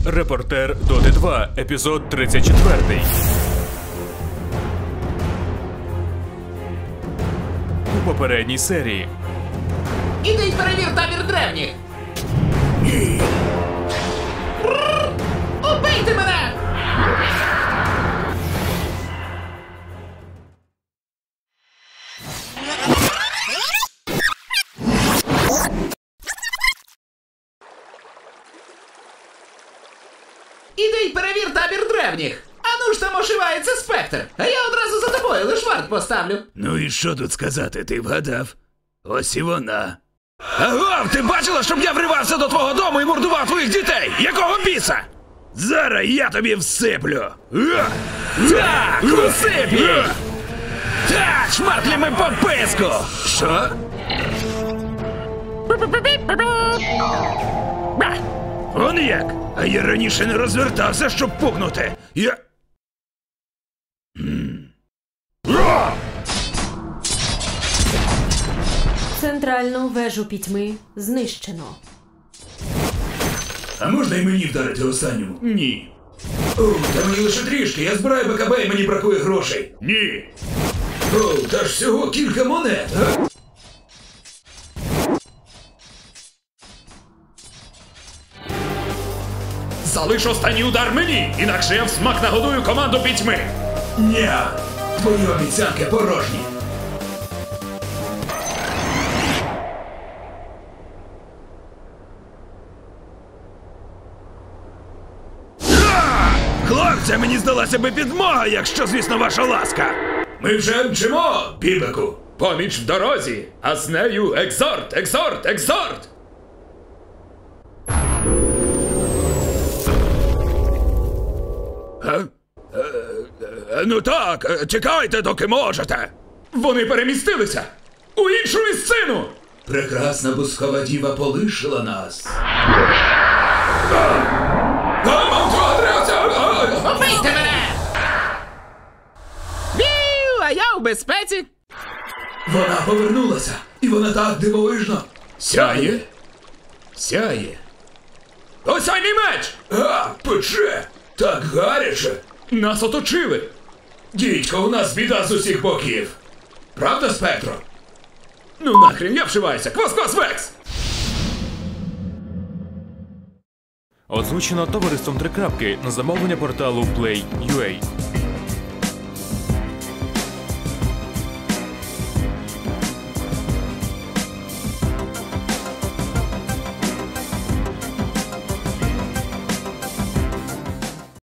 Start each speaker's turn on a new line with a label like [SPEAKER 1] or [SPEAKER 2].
[SPEAKER 1] Репортер Доти 2, епізод 34. У попередній серії.
[SPEAKER 2] Іди й перевір табір древніх! Убийте мене! Іди й перевір табір древніх! Ану ж там ошивається спектр, а я одразу за тобою лиш варт поставлю.
[SPEAKER 3] Ну і що тут сказати, ти вгадав? Ось і вона. Агов, ти бачила, щоб я вривався до твого дому і мордував твоїх дітей? Якого біса? Зараз я тобі всиплю. Так, усип їй! Так, шматлями по писку! Що? Он як? А я раніше не розвертався, щоб пукнути. Я...
[SPEAKER 4] Центральну вежу пітьми знищено.
[SPEAKER 3] А можна і мені вдарити останньому? Ні. О, та мені лише трішки, я збираю БКБ і мені бракує грошей. Ні. О, та ж всього кілька монет, а?
[SPEAKER 5] Залиш останній удар мені, інакше я в смак нагодую команду пітьми.
[SPEAKER 3] Ня, твої обіцянки порожні. Хлопця, мені здалася би підмога, якщо, звісно, ваша ласка. Ми вже мчимо, бібеку.
[SPEAKER 5] Поміч в дорозі, а з нею екзорт, екзорт, екзорт!
[SPEAKER 3] Ну так, чекайте, доки можете.
[SPEAKER 5] Вони перемістилися у іншу місцину!
[SPEAKER 3] Прекрасна бускова діва полишила нас.
[SPEAKER 2] Убийте мене! Бів, а я у безпеці!
[SPEAKER 3] Вона повернулася, і вона так дивовижно.
[SPEAKER 5] Сяє? Сяє. Осяйний меч!
[SPEAKER 3] А, пече! Так гаряче!
[SPEAKER 5] Нас оточили!
[SPEAKER 3] Дідько, у нас біда з усіх боків. Правда, Спектро?
[SPEAKER 5] Ну нахрен, я вшиваюся! Квас-квас, Векс!
[SPEAKER 1] Озвучено товариством Три Крапки на замовлення порталу Play.ua.